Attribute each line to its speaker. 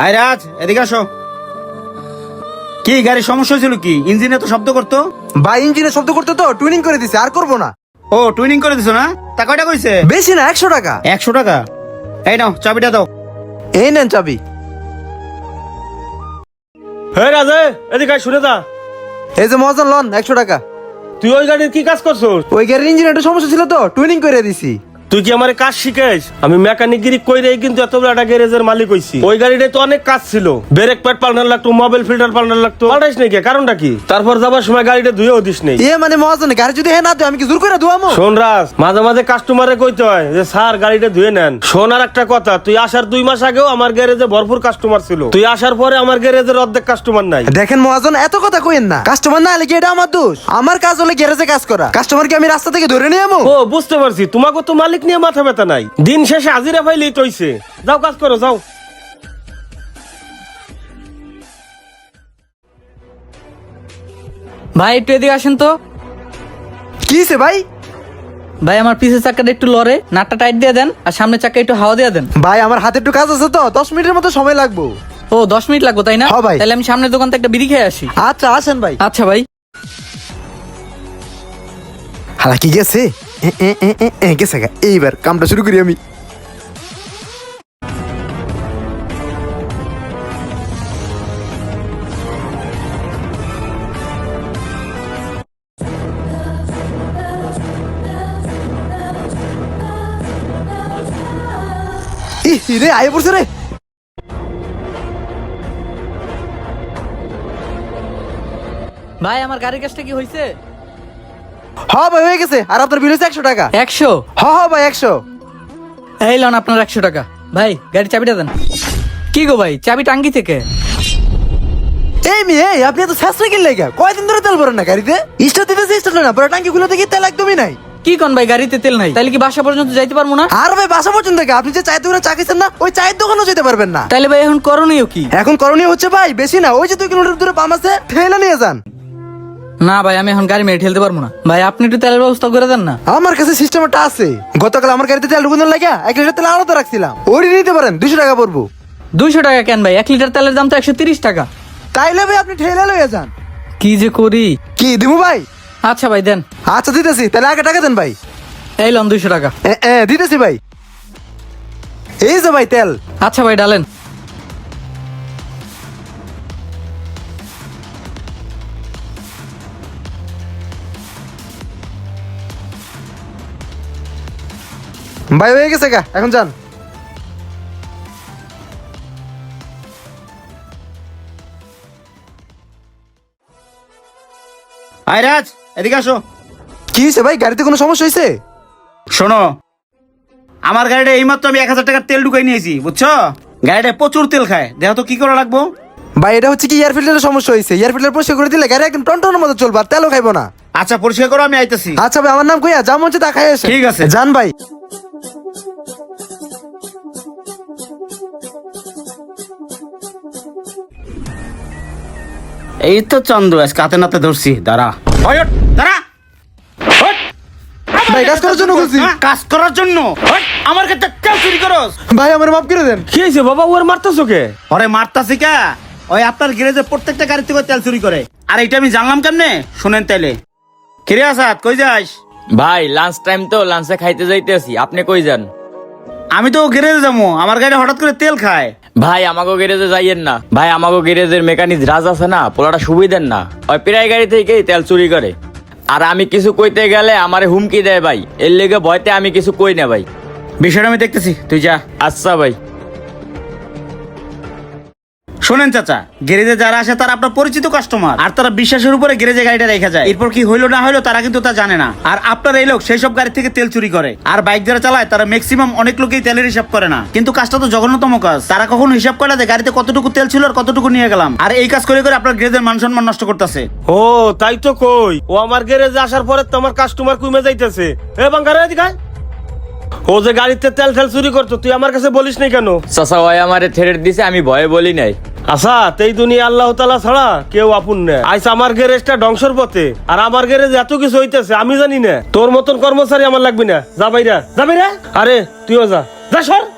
Speaker 1: আয় রাজ, এদিকে আসো। কি গাড়ির সমস্যা হয়েছিল? কি ইঞ্জিনে তো শব্দ করতো?
Speaker 2: ভাই ইঞ্জিনে শব্দ করতে তো টুইনিং করে দিছে, আর করবো না।
Speaker 1: ও টুইনিং করে দিছো না? তা কয়টা কইছে?
Speaker 2: বেশি না, 100 টাকা।
Speaker 1: 100 টাকা? এই নাও চাবিটা দাও।
Speaker 2: এই নেন চাবি।
Speaker 3: হে রাজে, এদিকে শুনে যা।
Speaker 2: এই যে মহাজন লন 100 টাকা।
Speaker 3: তুই ওই গাড়ির কি কাজ করছস?
Speaker 2: ওই গাড়ির ইঞ্জিনে একটু সমস্যা ছিল তো টুইনিং করে দিছি।
Speaker 3: তুই কি আমারে কাজ শিখাইস? আমি মেকানিকগিরি কইরেই কিন্তু এত বড় একটা গ্যারেজের মালিক হইছি। ওই গাড়িতে তো অনেক কাজ ছিল, ব্রেক প্যাড পাল্টানো লাগতো, মোবাইল ফিল্টার পাল্টানো লাগতো। পাল্টাইস নাকি? কারণটা কি? তারপর যাবার সময় গাড়িটা ধুয়েও দিস নেই।
Speaker 2: মানে মহাজন গাড়ি যদি হ্যাঁ না দেয় আমি কি জোর করে ধোয়ামো?
Speaker 3: শোন রাজ, মাঝে মাঝে কাস্টমারে কইতে হয় যে স্যার গাড়িটা ধুয়ে নেন। শোন আর একটা কথা, তুই আসার 2 মাস আগেও আমার গ্যারেজে ভরপুর কাস্টমার ছিল। তুই আসার পরে আমার গ্যারেজের অর্ধেক কাস্টমার নাই।
Speaker 2: দেখেন মহাজন এত কথা কইেন না, কাস্টমার না হলে কি এটা আমার দোষ? আমার কাজ হলে গ্যারেজে কাজ করা, কাস্টমার কি আমি রাস্তা থেকে ধরে নিয়ে যাবো?
Speaker 3: ও বুঝতে পারছি, তোমাকে তো মালিক নিয়ে মাথা ব্যথা নাই। দিন শেষে হাজিরা পাইলেই তৈছে। যাও কাজ করো, যাও।
Speaker 4: ভাই একটু এদিকে আসেন তো।
Speaker 2: কি হইছে ভাই?
Speaker 4: ভাই আমার পিছের চাকাটা একটু লড়ে, নাটটা টাইট দিয়ে দেন আর সামনের চাকা একটু হাওয়া দিয়ে দেন।
Speaker 2: ভাই আমার হাতে একটু কাজ আছে তো, 10 মিনিটের মতো সময় লাগবে।
Speaker 4: ও 10 মিনিট লাগবে তাই না?
Speaker 2: হ্যাঁ ভাই।
Speaker 4: তাহলে আমি সামনের দোকান থেকে একটা বিড়ি খেয়ে আসি।
Speaker 2: আচ্ছা আসেন ভাই।
Speaker 4: আচ্ছা ভাই।
Speaker 2: হালা কি গেছে? গেছে গা। এইবার কামটা শুরু করি আমি। রে আয় পড়ছে রে।
Speaker 4: ভাই আমার গাড়ির কাজটা কি হয়েছে?
Speaker 2: হ্যাঁ ভাই হয়ে গেছে। আর আপনার বিল হচ্ছে 100 টাকা।
Speaker 4: 100?
Speaker 2: হ্যাঁ ভাই 100।
Speaker 4: এই লন আপনার 100 টাকা। ভাই গাড়ির চাবিটা দেন। কি গো ভাই, চাবি টাঙ্গি থেকে?
Speaker 2: এই মেয়ে আপনি এত শাস্ত্রে কিনলে গা? কয়দিন ধরে তেল ভরেন না গাড়িতে? স্টার্ট দিতেছে স্টার্ট না, পরে টাঙ্কি খুলে দেখি তেল একদমই নাই।
Speaker 4: কি কোন ভাই, গাড়িতে তেল নাই? তাহলে কি বাসা পর্যন্ত যাইতে পারবো না?
Speaker 2: আর ভাই বাসা পর্যন্ত গা, আপনি যে চায়ের দোকানে চা খাইছেন না, ওই চায়ের দোকানেও যেতে পারবেন না।
Speaker 4: তাহলে ভাই এখন করণীয় কি?
Speaker 2: এখন করণীয় হচ্ছে ভাই বেশি না, ওই যে 2 কিলোমিটার দূরে পাম্প আছে, ঠেলে নিয়ে যান।
Speaker 4: না ভাই আমি এখন গাড়ি মেরে ঠেলতে পারবো না। ভাই আপনি একটু তেলের ব্যবস্থা করে দেন না।
Speaker 2: আমার কাছে সিস্টেম একটা আছে। গতকাল আমার গাড়িতে তেল ঢুকানোর লাগে 1 লিটার তেল আলাদা রাখছিলাম, ওই নিতে পারেন, 200 টাকা পড়বো।
Speaker 4: 200 টাকা কেন ভাই? 1 লিটার তেলের দাম তো 130 টাকা।
Speaker 2: তাইলে ভাই আপনি ঠেলে লয়ে যান।
Speaker 4: কি যে করি।
Speaker 2: কি দিমু ভাই?
Speaker 4: আচ্ছা ভাই দেন।
Speaker 2: আচ্ছা দিতেছি, তাহলে আগে টাকা দেন ভাই।
Speaker 4: এই লন 200 টাকা।
Speaker 2: দিতেছি ভাই। এই যে ভাই তেল।
Speaker 4: আচ্ছা ভাই ডালেন।
Speaker 2: ভাই হয়ে গেছে গা, এখন যান।
Speaker 1: আয় রাজ, এদিকে আসো।
Speaker 2: কি হয়েছে ভাই, গাড়িতে কোনো সমস্যা হয়েছে?
Speaker 1: শোনো, আমার গাড়িটা এইমাত্র আমি 1000 টাকার তেল ঢুকাই নিয়েছি, বুঝছো? গাড়িটা প্রচুর তেল খায়, দেখো তো কি করা লাগবো।
Speaker 2: ভাই এটা হচ্ছে কি এয়ার ফিল্টারের সমস্যা হয়েছে। এয়ার ফিল্টার পরিষ্কার করে দিলে গাড়ি একদম টনটনের মতো চলবে, আর তেলও খাইবো না।
Speaker 1: আচ্ছা পরিষ্কার করো, আমি আইতেছি।
Speaker 2: আচ্ছা ভাই আমার নাম কইয়া যা মন তা খাই আসে।
Speaker 1: ঠিক আছে।
Speaker 2: যান ভাই।
Speaker 1: এই তো চন্দ্র আজকে হাতে নাতে ধরছি। দাঁড়া ওই ওঠ, দাঁড়া ওঠ।
Speaker 2: ভাই কাজ করার জন্য বলছি।
Speaker 1: হ্যাঁ, কাজ করার জন্য? ওঠ, আমার কাছে তেল চুরি করস?
Speaker 2: ভাই আমার মাফ করে দেন।
Speaker 3: কি হয়েছে বাবা, ওর মারতেছো কে?
Speaker 1: ওরে মারতাছি কা? ওই আপনার গ্যারেজে প্রত্যেকটা গাড়ি থেকে তেল চুরি করে। আর এটা আমি জানলাম কেমনে? শুনেন তাইলে। কিরে আসাদ, কই যাস?
Speaker 5: ভাই লাঞ্চ টাইম তো, লাঞ্চে খাইতে যাইতেছি। আপনি কই যান?
Speaker 1: আমি তো গ্যারেজে যাবো, আমার গাড়ি হঠাৎ করে তেল খায়।
Speaker 5: ভাই আমাকে গ্যারেজে যাইয়েন না ভাই, আমাকে গ্যারেজের মেকানিক রাজ আছে না, পোলাটা সুবিধেন না, ওই প্রায় গাড়ি থেকেই তেল চুরি করে। আর আমি কিছু কইতে গেলে আমারে হুমকি দেয় ভাই, এর লেগে ভয়তে আমি কিছু কই না ভাই।
Speaker 1: বিষয়টা আমি দেখতেছি, তুই যা।
Speaker 5: আচ্ছা ভাই।
Speaker 1: শোনেন চাচা, গ্যারেজে যারা আসে তারা আপনার পরিচিত কাস্টমার, আর তারা বিশ্বাসের উপরে গ্যারেজে গাড়িটা রেখে যায়। এরপর কি হইলো না হইলো তারা কিন্তু তা জানে না। আর আপনার এই লোক সেই সব গাড়ি থেকে তেল চুরি করে। আর বাইক যারা চালায় তারা ম্যাক্সিমাম অনেক লোকেই তেলের হিসাব করে না, কিন্তু কাজটা তো জঘন্যতম কাজ। তারা কখনো হিসাব করে না যে গাড়িতে কতটুকু তেল ছিল আর কতটুকু নিয়ে গেলাম। আর এই কাজ করে করে আপনার গ্যারেজের মান সম্মান নষ্ট করতেছে।
Speaker 3: ও তাই তো কই, ও আমার গ্যারেজে আসার পরে তো আমার কাস্টমার কমে যাইতেছে। এ বাঙ্গারে এদিকে আয়। ও যে গাড়িতে তেল তেল চুরি করতো, তুই আমার কাছে বলিস নাই কেন?
Speaker 5: চাচা ভাই আমারে থ্রেট দিছে, আমি ভয়ে বলি নাই।
Speaker 3: আচ্ছা এই দুনিয়া আল্লাহ তাআলা ছাড়া কেউ আপন না। আইস আমার গ্যারেজটা ধ্বংসর পথে, আর আমার গ্যারেজে এত কিছু হইতেছে আমি জানি না। তোর মতন কর্মচারী আমার লাগবে না। যা বাইরা, যা বাইরা। আরে তুইও যা, যা সর।